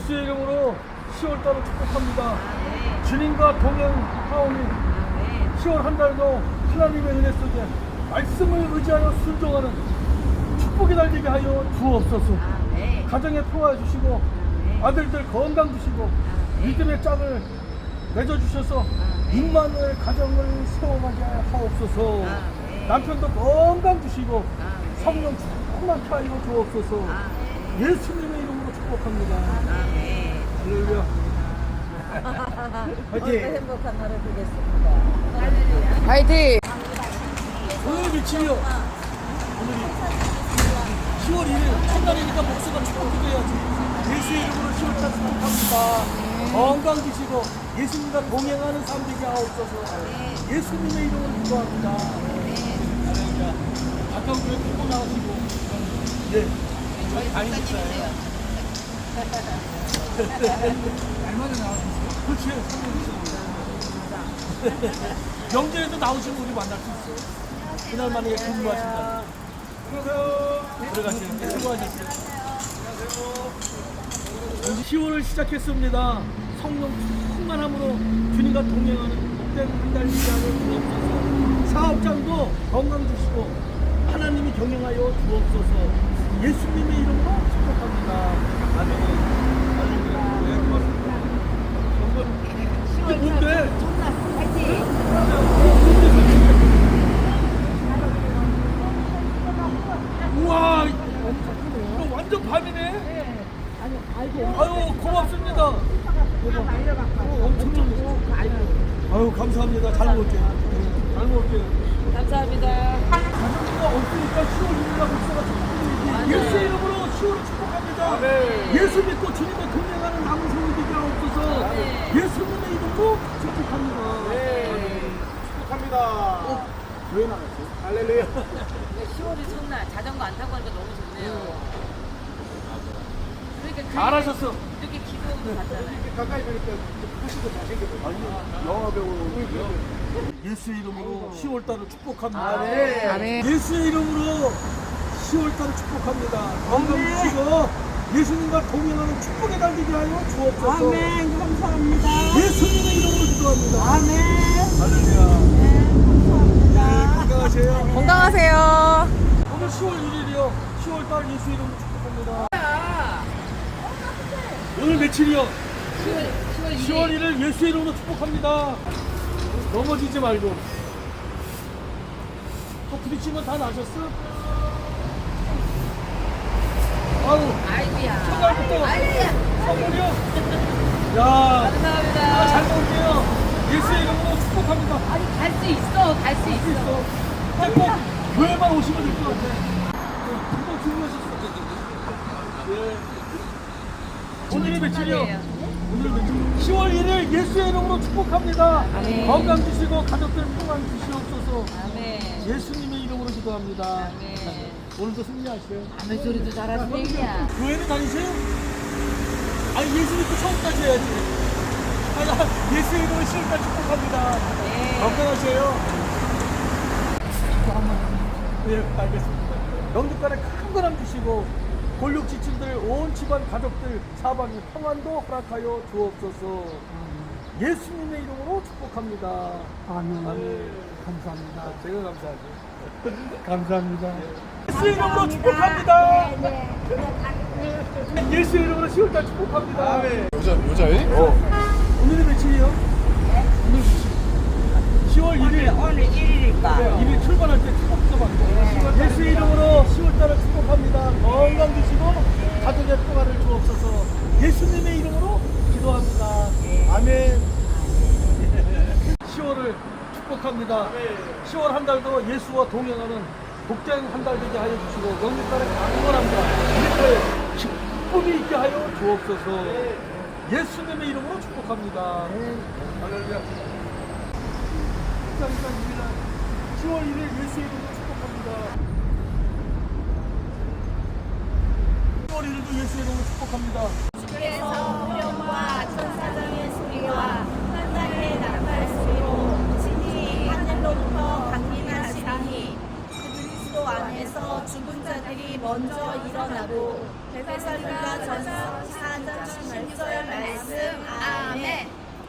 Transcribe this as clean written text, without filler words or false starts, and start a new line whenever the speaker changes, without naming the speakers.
예수의 이름으로 10월달을 축복합니다. 주님과 동행하오니 10월 한 달도 하나님의 은혜 속에 말씀을 의지하여 순종하는 축복이 달리게 하여 주옵소서. 가정에 평화 주시고 아들들 건강 주시고 믿음의 짝을 맺어주셔서 임마누엘 가정을 세워가게 하옵소서. 남편도 건강 주시고 성령 충만케 하여 주옵소서. 예수님의 이름으로 축복합니다. 할렐루야.
오늘도 행복한 하루 되겠습니다.
화이팅!
오늘 며칠이요? 오늘이 10월 1일 첫날이니까 목수가 축복기도해야지. 예수의 이름으로 10월달 축복합니다. 건강 주시고 예수님과 동행하는 삶 되게 하옵소서. 예수님의 이름으로 기도합니다. 할렐루야. 가까운 교회 끌고 나가시고. 네. 저희 다니셨어요. 얼마나 나오셨어요? 그렇지. 명절에도 나오시면 우리 만날 수 있어요. 그날 만약에 근무하신다. 안녕하세요. 들어가세요. 수고하셨어요. 안녕하세요. 10월을 시작했습니다. 성령 충만함으로 주님과 동행하는 복된 한 달 기간을 주옵소서. 사업장도 건강 주시고 하나님이 경영하여 주옵소서. 예수님의 이름으로 축복합니다. 아멘. 할렐루야. 네, 고맙습니다. 이게 뭔데? 우와, 이거 완전 밤이네. 아유, 고맙습니다. 엄청. 아유, 감사합니다. 잘 먹을게요. 잘 먹을게요.
감사합니다.
가정부가 없으니까 10월 1일날 목사가 축복드리지. 예수의 이름으로 10월을 축복합니다. 예수 믿고 주님과 동행하는 남은 성이 되게 하옵소서. 예수님의 이름으로 축복합니다.
축복합니다. 왜 나갔어요? 할렐루야.
10월이 첫날 자전거 안 타고 하니까 너무 좋네요. 그러니까
잘하셨어.
이렇게 기도도 갔잖아요.
가까이 보니까 하시고 잘생겼어요.
아니, 영화 배우. 예수의 이름으로 10월달을 축복합니다.
아멘.
예수의 이름으로 10월달을 축복합니다. 건강 주시고 예수님과 동행하는 축복의 달 되게 하여 주옵소서.
아멘. 감사합니다.
예수님의 이름으로 기도합니다.
아멘.
할렐루야.
감사합니다.
건강하세요.
건강하세요.
오늘 10월 1일이요. 10월달 예수의 이름으로 축복합니다. 오늘 며칠이요? 10월 1일 예수의 이름으로 축복합니다. 넘어지지 말고. 또 부딪히면 다 나셨어? 아유,
아이고야.
첫날부터 선물이요? 야,
감사합니다.
잘 먹을게요. 예수의 이름으로 축복합니다.
아니 갈 수 있어. 갈 수 있어.
있어. 꼭 교회만 오시면 될 것 같아. 금방 주무셨어. 예. 오늘이 며칠이요? 오늘 며칠? 10월 1일 예수의 이름으로 축복합니다.
아멘.
건강 주시고 가족들 평안 주시옵소서.
아멘.
예수님의 이름으로 기도합니다.
아멘.
오늘도 승리하세요.
아멘 소리도 잘하시네 그냥.
교회는 다니세요? 아니 예수 믿고 처음까지 해야지. 아니 예수의 이름으로 10월까지 축복합니다.
네.
건강하세요. 예, 알겠습니다. 영주간에 큰 거람 주시고 골육 지친들 온 집안 가족들 사방에 평안도 허락하여 주옵소서. 예수님의 이름으로 축복합니다.
아멘.
아멘.
감사합니다.
제가 감사하죠.
감사합니다.
예수 이름으로 축복합니다. 예수 이름으로 10월달 축복합니다.
여자애?
오늘이 며칠이요? 오늘 10월 1일.
오늘 1일이니까.
이미 출발할 때 축복도 받고 예수 이름으로 10월달을 축복합니다. 건강 주시고 가족의 평화를 주옵소서. 예수님의 이름으로 기도합니다. 아멘. 10월을 축복합니다. 10월 한 달도 예수와 동행하는 복된 한 달 되게 하여 주시고 영육달에 강건함과 우리의 기쁨이 있게 하여 주옵소서. 예수님의 이름으로 축복합니다. 할렐루야. 10월 1일 예수의 이름으로 축복합니다. 10월 1일도 예수의 이름으로 축복합니다.